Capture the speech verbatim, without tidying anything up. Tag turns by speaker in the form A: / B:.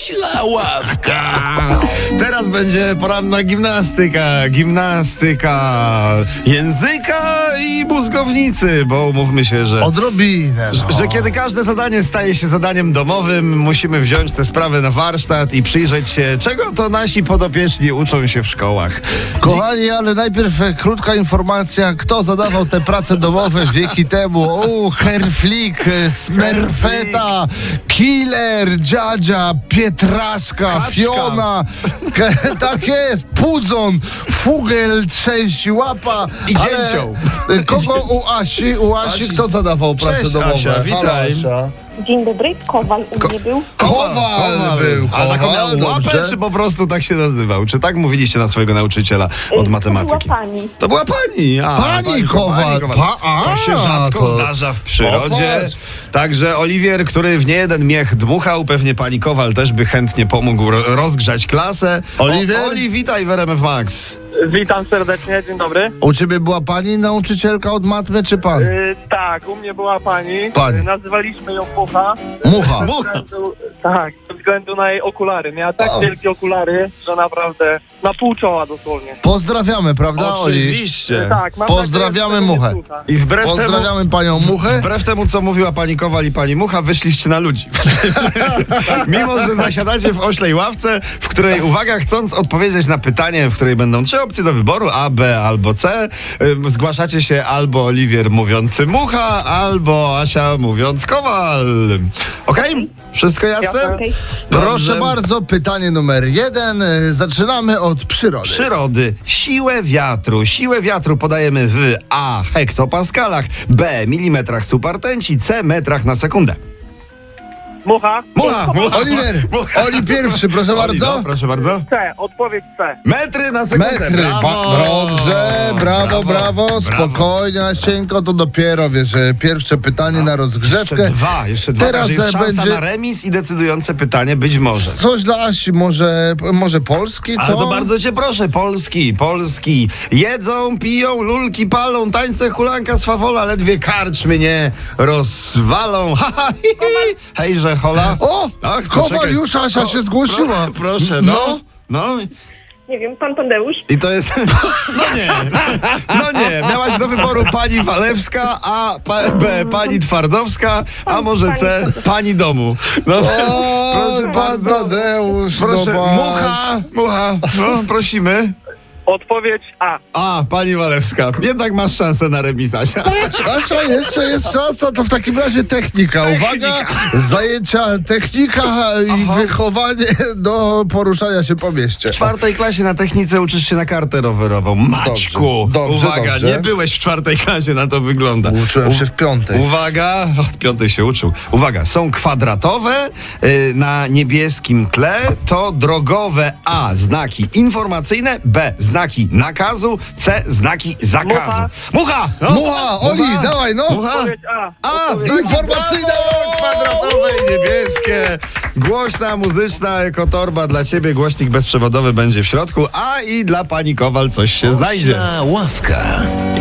A: Myśla ławka.
B: Teraz będzie poranna gimnastyka, gimnastyka języka i mózgownicy, bo umówmy się, że,
C: Odrobinę.
B: że,
C: No.
B: że kiedy każde zadanie staje się zadaniem domowym, musimy wziąć tę sprawę na warsztat i przyjrzeć się, czego to nasi podopieczni uczą się w szkołach.
C: Kochani, ale najpierw e, krótka informacja, kto zadawał te prace domowe wieki temu. O, Herflik, e, Smerfeta, Killer, Dziadzia, Pietraszka,
B: Kaczka.
C: Fiona, Ke, tak jest, Puzon, Fugel, Trzęsi, Łapa.
B: I
C: ale,
B: Dzięcioł.
C: e, Kogo u Asi, u Asi,
B: Asi.
C: kto zadawał prace
B: Cześć,
C: domowe?
B: Asia,
C: Halo,
B: witaj.
C: Asia.
D: Dzień dobry, Kowal u mnie był.
C: Kowal był,
B: A taką
C: Kowal,
B: miał łapę,
C: dobrze.
B: czy po prostu tak się nazywał? Czy tak mówiliście na swojego nauczyciela od
D: Y,
B: matematyki?
D: To była pani.
B: To była pani. A,
C: Pani Kowal. Pa- a,
B: to się rzadko
C: to-
B: zdarza w przyrodzie.
C: Popatrz.
B: Także Oliwier, który w niejeden miech dmuchał, pewnie pani Kowal też by chętnie pomógł ro- rozgrzać klasę.
C: Oliwier?
B: O, Oli, witaj w R M F Max.
E: Witam serdecznie, dzień dobry.
C: U ciebie była pani nauczycielka od matmy, czy pan?
E: Yy, tak, u mnie była pani.
C: Pani.
E: Yy, nazywaliśmy ją Mucha.
C: Mucha.
E: Ze
B: Mucha.
E: względu, tak, ze względu na jej okulary. Miała tak
C: O.
E: wielkie okulary, że naprawdę na pół czoła dosłownie.
C: Pozdrawiamy, prawda, Oli?
B: Oczywiście.
E: Yy, tak, mam
C: Pozdrawiamy
E: nadzieję, że tego nie
C: Muchę.
E: słucha.
B: I wbrew temu,
C: Pozdrawiamy panią Muchę.
B: wbrew temu, co mówiła pani Kowal i pani Mucha, wyszliście na ludzi. Mimo, że zasiadacie w oślej ławce, w której, uwaga, chcąc odpowiedzieć na pytanie, w której będą trzy opcje do wyboru, A, B albo C, ym, zgłaszacie się albo Oliwier mówiący Mucha, albo Asia mówiąc Kowal. Okej? Wszystko jasne?
E: Jasne.
D: Okej.
C: Proszę
B: Dobrze.
C: bardzo, pytanie numer jeden. E, Zaczynamy od przyrody.
B: Przyrody. Siłę wiatru. Siłę wiatru podajemy w A. hektopaskalach, B. milimetrach supertęci, C. metrach na sekundę.
E: Mucha.
B: Mucha! mucha
C: Oliwier,
B: mucha.
C: Oli pierwszy, proszę
B: Oli,
C: bardzo.
B: no, proszę bardzo.
E: C, odpowiedź C.
B: Metry na sekundę.
C: Metry.
B: Brawo.
C: Ba- Dobrze, brawo, brawo. Spokojnie, Asieńko, to dopiero, wiesz, e, pierwsze pytanie na rozgrzewkę.
B: Jeszcze dwa, jeszcze dwa.
C: Teraz
B: Teraz jest szansa
C: będzie-
B: na remis i decydujące pytanie być może.
C: Coś dla Asi, może, może Polski, co?
B: Ale to bardzo cię proszę, Polski, Polski. Jedzą, piją, lulki palą, tańce, hulanka, swawola, ledwie karcz mnie rozwalą. Ha, ha, hi, hi. Hejże, hola.
C: O,
B: Tak,
C: Kowal
B: poczekaj.
C: już, Asia się zgłosiła.
B: Pro, proszę, no. No.
D: Nie wiem, pan Tadeusz.
B: I to jest... No nie, no nie. Miałaś do wyboru pani Walewska, a pa, B, pani Twardowska, a może C, pani domu. No,
C: O,
B: proszę
C: pan
B: bardzo.
C: Tadeusz,
B: Proszę,
C: no patrz.
B: mucha, mucha, no prosimy.
E: Odpowiedź A.
B: A, pani Walewska, jednak masz szansę na remis, Asia.
C: Asia, jeszcze jest szansa, to w takim razie technika. Uwaga, zajęcia technika i wychowanie do poruszania się po mieście.
B: W czwartej klasie na technice uczysz się na kartę rowerową. Maćku,
C: Dobrze,
B: uwaga,
C: dobrze.
B: nie byłeś w czwartej klasie, na to wygląda.
C: Uczyłem się w piątej.
B: Uwaga, od piątej się uczył. Uwaga, są kwadratowe y, na niebieskim tle, to drogowe A, znaki informacyjne, B, znaki nakazu, C, znaki zakazu.
E: Mucha.
B: Mucha! No.
C: Mucha, Oli, dawaj, no.
B: Mucha!
E: Odpowiedź A.
B: A,
E: Odpowiedź
B: znaki
C: Informacyjne.
B: brawo, kwadratowe i niebieskie. Głośna, muzyczna ekotorba dla ciebie, głośnik bezprzewodowy będzie w środku, a i dla pani Kowal coś się znajdzie.
A: Myśla ławka.